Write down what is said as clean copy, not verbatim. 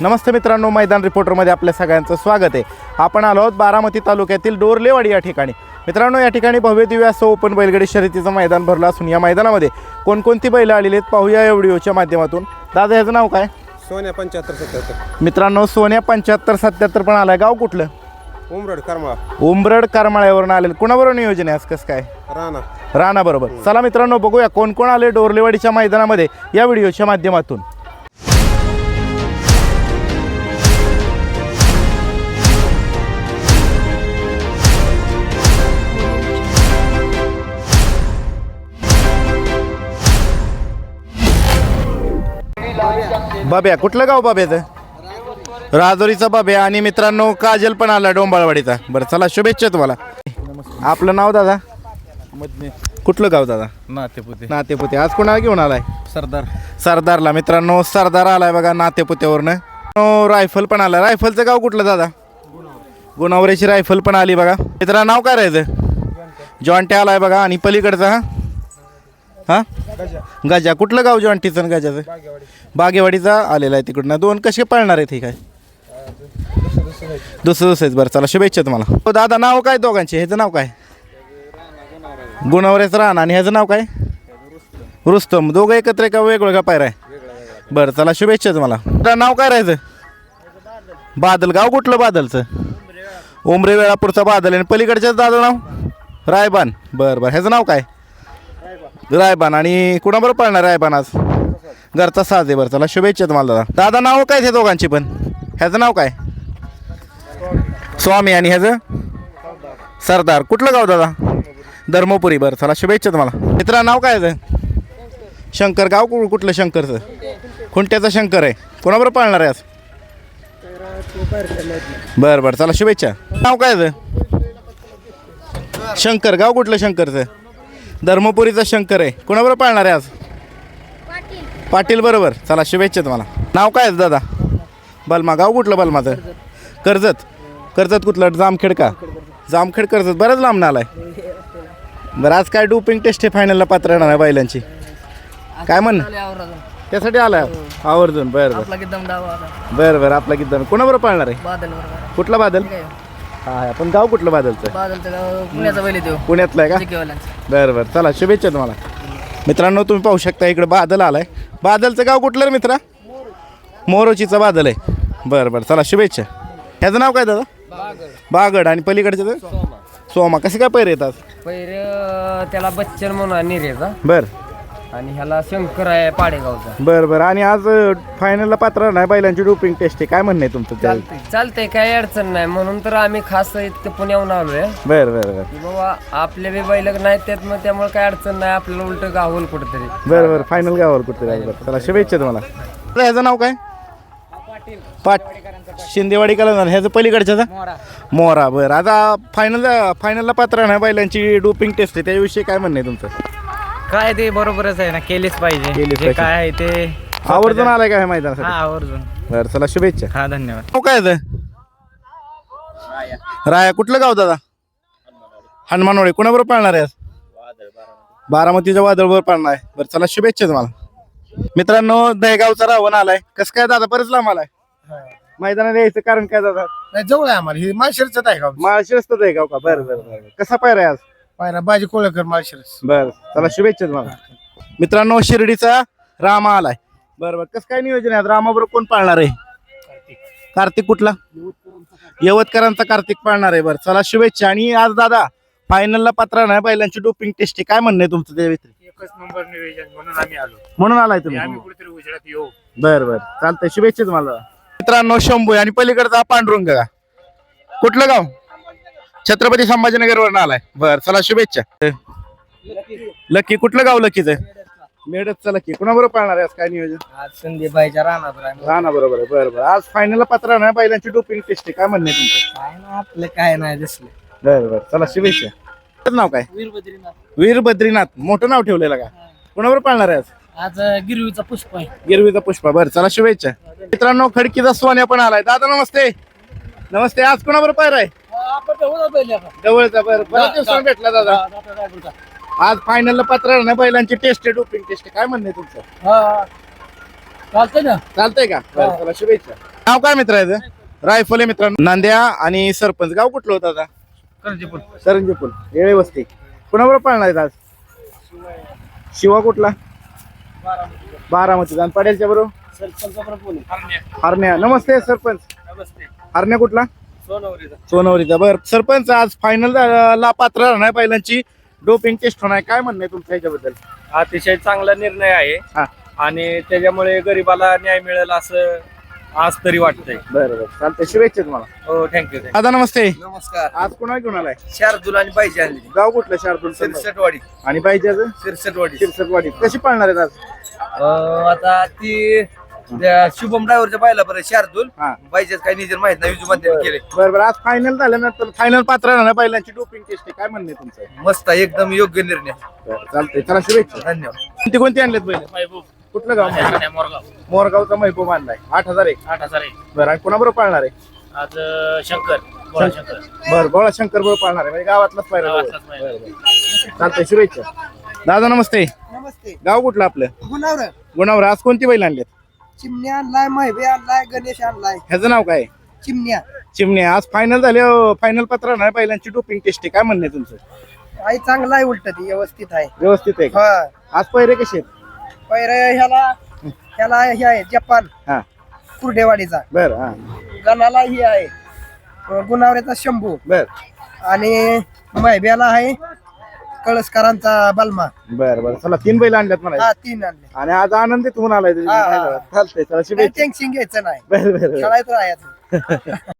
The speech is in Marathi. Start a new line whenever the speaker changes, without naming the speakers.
नमस्ते मित्रांनो, मैदान रिपोर्टरमध्ये आपल्या सगळ्यांचं स्वागत आहे। आपण आलो आहोत बारामती तालुक्यातील डोरलेवाडी या ठिकाणी। मित्रांनो, या ठिकाणी भव्य दिव्य असं ओपन बैलगाडी शर्यतीचं मैदान भरलं असून या मैदानामध्ये कोणकोणती बैल आलेली आहेत पाहूया या व्हिडिओच्या माध्यमातून। दादा, ह्याचं नाव काय?
सोन्या 7577।
मित्रांनो, सोन्या 7577 पण आलाय। गाव कुठलं?
उमरड करमाळा।
उमरड करमाळ्यावरून आलेलं। कुणाबरोबर नियोजन आहे आज? कसं काय? राणा बरोबर। चला मित्रांनो, बघूया कोण कोण आले डोरलेवाडीच्या मैदानामध्ये या व्हिडिओच्या माध्यमातून। बाब्या, कुठलं गाव बाब्याचं? राजोरीचा बाब्या। आणि मित्रांनो, काजल पण आला डोंबाळवाडीचा। बरं, चला शुभेच्छा तुम्हाला। आपलं नाव दादा? कुठलं गाव दादा?
नातेपुते।
नातेपुते। आज कोणाला घेऊन आलाय? सरदारला। मित्रांनो, सरदार आलाय बघा नातेपुत्यावरनं। रायफल पण आला। रायफलचं गाव कुठलं दादा? गुणावरेची रायफल पण आली बघा। मित्रांनो, नाव काय राहायचं? जॉन्टे आलाय बघा। आणि पलीकडचा हा गजा। कुठलं गाव जॉन्टीचं आणि गजाचं? बागेवाडीचा आलेला आहे तिकडनं। दोन कसे पळणार आहेत? ठीक आहे, दुसरं बरं, चला शुभेच्छा तुम्हाला। दादा, नाव काय दोघांचे? ह्याचं नाव काय? गुणावरेचं राहणं। आणि ह्याचं नाव काय? रुस्तम। दोघं एकत्र का वेगवेगळा पायरा आहे? बरं, चला शुभेच्छा तुम्हाला। नाव काय राहायचं? बादल। गाव कुठलं बादलचं? उमरे वेळापूरचा बादल। आणि पलीकडच्याच दादा नाव? रायबान। बरं बरं, ह्याचं नाव काय? रायबान। आणि कुणाबरोबर पळणार रायबान आज? घरचा साज आहे। बरं, चला शुभेच्छा तुम्हाला दादा। दादा, नाव काय ते दोघांची पण? ह्याचं नाव काय? स्वामी। आणि ह्याचं? सरदार। कुठलं गाव दादा? धर्मपुरी। बरं, चला शुभेच्छा तुम्हाला। मित्रा, नाव काय आहे? शंकर। गाव कुठलं शंकरचं? खुंट्याचा शंकर आहे। कोणाबरोबर पाळणार आहे आज? बरं बरं, चला शुभेच्छा। नाव काय आहे? शंकर। गाव कुठलं शंकरचं? धर्मपुरीचा शंकर आहे। कोणाबरोबर पाळणार आहे आज? पाटील बरोबर। चला शुभेच्छा तुम्हाला। नाव काय आहे दादा? बलमा। गाव कुठलं बलमाचं? कर्जत। कर्जत कुठलं? जामखेड का? जामखेड कर्जत। बरंच लांब आलाय। बरं, आज काय डोपिंग टेस्ट आहे फायनलला पात्र येणार आहे बैलांची? काय म्हण त्यासाठी आलाय आवर्जून? बरं बरं बरं, आपला किती कोणाबरोबर पाळणार आहे? कुठला बादल? हा, पण गाव कुठलं बादलचं? पुण्यातलं आहे का? बरं बरं, चला शुभेच्छा तुम्हाला। मित्रांनो, तुम्ही पाहू शकता इकडे बादल आलाय। बादलचं गाव कुठलं रे मित्रा? मोरोचीचा बादल आहे। बरं बरं, चला शुभेच्छा। ह्याचं नाव काय दादा? बागड। आणि पलीकडचं? सोमा। कसे काय पैर येतात?
त्याला बच्चन म्हणून निरेचा।
बरं।
आणि ह्याला शंकर आहे पाडेगावचा।
बरं बरं, आणि आज फायनलला पात्र नाही बैलांची डोपिंग टेस्ट आहे, काय म्हणणं आहे तुमचं?
चालतंय, काही अडचण नाही, म्हणून तर आम्ही खास इथं पुण्याहून आलोय।
बरं बरं बरं,
बाबा आपले बी बैल नाहीत त्यात, मग त्यामुळे काही अडचण नाही, आपल्याला उलट गावल कुठेतरी।
बरं बरं, फायनल गावावर कुठेतरी। चला शुभेच्छा तुम्हाला। ह्याचं नाव काय? शिंदेवाडी कला। ह्याचं पलीकडच्याचा? मोरा। बरं, आता फायनलला पात्र नाही बैलांची डोपिंग टेस्ट आहे, त्याविषयी काय म्हणणं आहे तुमचं?
काय ते बरोबरच आहे ना, केलीच पाहिजे। काय आहे ते
आवर्जून आलाय का हे मैदानासाठी?
आवर्जून।
बरं, चला शुभेच्छा।
हा, धन्यवाद।
नाव काय आहे? राया। कुठलं गाव दादा? हनुमानवाडी। कुणाबरोबर पाळणार आहे आज? बारामतीच्या वादळबरोबर पाळणार आहे। बरं, चला शुभेच्छा तुम्हाला। मित्रांनो, दहेगावचा रावण आलाय। कसं काय दादा? बरंच लांब आलाय मैदानात यायचं कारण काय दादा?
जवळ आहे आम्हाला, हे माळशिरसचं आहे गाव।
माळशिरसचं दहेगाव का? बरं बरं बरं, कसा पायरा आहे आज?
पायरा बाजी कोळकर माळशिरस।
बरं, चला शुभेच्छा तुम्हाला। मित्रांनो, शिर्डीचा रामा आलाय। बरं बरं, कसं काय नियोजन आहे? रामाबरोबर कोण पाळणार आहे? कार्तिक। कुठला? यवतकरांचा कार्तिक पाळणार आहे। बरं, चला शुभेच्छा। आणि आज दादा फायनलला पात्र नाही बैलांची डोपिंग टेस्ट आहे, काय म्हणणं आहे तुमचं त्या व्यतिरिक्त?
एकच नंबर नियोजन म्हणून आम्ही आलो।
म्हणून आलाय तुम्ही?
आम्ही कुठेतरी उजेडात येऊ।
बरं बरं, चालतंय, शुभेच्छा तुम्हाला। मित्रांनो, शंभू आणि पलीकडचा पांडुरंग का? कुठलं गाव? छत्रपती संभाजीनगरवरून आलाय। बरं, चला शुभेच्छा। लकी। कुठलं गाव लकीचं? मेडचं लकी। कुणाबरोबर पाळणार आहे आज? काय नियोजन?
आज संदीपबाईच्या राहणार
राणा बरोबर आहे। बरं बरं, आज फायनलला पात्र नाही बैलांची डोपिंग टेस्ट आहे, काय म्हणणं आहे तुमचं?
काय ना, आपलं काय नाही दिसलं।
बरं बरं, चला शुभेच्छा। तुझं नाव काय? वीर बद्रीनाथ। मोठं नाव ठेवलेलं का? कुणाबरोबर पाळणार आहे आज?
आज गिरवीचा पुष्प आहे।
गिरवीचा पुष्पा। बरं, चला शुभेच्छा। मित्रांनो, खडकीचा सोन्या पण आलाय। दादा नमस्ते। नमस्ते, आज कुणाबरोबर पायरा आहे? जवळचा। बरं, बऱ्याच दिवसांनी भेटला दादा। आज फायनलला पात्र नाही बैलांची टेस्ट आहे, डोपिंग टेस्ट, काय म्हणणं आहे तुमचं?
चालतंय ना?
चालतंय का? बरं, चला शुभेच्छा। नाव काय मित्र आहे रायफल आहे मित्रांनो. नांद्या आणि सरपंच. गाव कुठलं होतं आता? करंजीपूल येळे वस्ती. कुणाबरोबर पाळणार आहेत आज? शिवा कुठला? बारामती. आणि पडेलच्या बरोबर हरण्या. नमस्ते सरपंच. हरण्या कुठला? सोनवरीचा. बर सरपंच, आज फायनल ला पात्र राहणार पहिल्यांची डोपिंग टेस्ट होणार, काय म्हणणं आहे तुमच्या ह्याच्याबद्दल?
अतिशय चांगला निर्णय आहे
हा.
आणि त्याच्यामुळे गरिबाला न्याय मिळेल असं आज तरी वाटतंय.
बरं चालतंय, शुभेच्छा तुम्हाला.
हो, थँक्यू.
दादा नमस्ते.
नमस्कार.
आज कोणा घेऊन आलाय?
शार्दूल आणि पाहिजे आणली
गाव कुठलं? शार्दूल.
सिरसटवाडी.
आणि पाहिजे
सिरसटवाडी.
शिरसटवाडी. कशी पाळणार आहेत आज?
आता ती त्या शुभम ड्रायव्हरच्या पाहिला बरं शार्दूल.
हा.
पाहिजेच काही निजर माहित नाही विजू केले.
बरं आज फायनल झाल्यानंतर फायनल पात्र राहणार पहिल्यांची डोपिंग टेस्ट, काय म्हणणं आहे तुमचं?
मस्त आहे, एकदम योग्य निर्णय.
बरं, चालतंय, चला शुभेच्छा.
धन्यवाद.
कोणती आणलेत पहिले? कुठलं गाव? मोरगावचा महबूब आणलाय. 8,001.
8,000
बरं, आणि कोणाबरोबर पाळणार आहे?
आज शंकर बोला शंकर.
बरं, बोळा शंकर बरोबर पाळणार आहे, म्हणजे गावातलाच पाहिजे. चालतंय, शुभेच्छा. दादा नमस्ते.
नमस्ते.
गाव कुठलं आपलं?
गुणावर
गुणावर. आज कोणती बैल आणलेत?
चिमण्या आणलाय, महिबे आणलाय, गणेश आणलाय.
ह्याचं नाव काय?
चिमण्या.
चिमण्या. आज फायनल झाले, फायनल पत्र राहणार पहिल्यांची डोपिंग टेस्ट, काय म्हणणं आहे तुमचं?
आई चांगला आहे, उलट ती व्यवस्थित आहे.
व्यवस्थित आहे का?
हा.
आज पहिरे कसे आहेत?
पहिला ह्याला हे आहे जपान
हा.
कुर्डेवाडीचा.
बरं. हा.
गणाला ही आहे गुणावऱ्याचा शंभू.
बरं
आणि महिब्याला आहे कळसकरांचा बलमा.
बरं बरं, चला 3 बैल आणल्यात मला.
हा, 3 आणले.
आणि आज आनंदित होऊन आलाय तुम्ही.
हा, हा.
चालतंय, चला
काही
शुभेच्छा.
टेन्शन घ्यायचं नाही,
बरं बरं
खेळायचं राहायचं.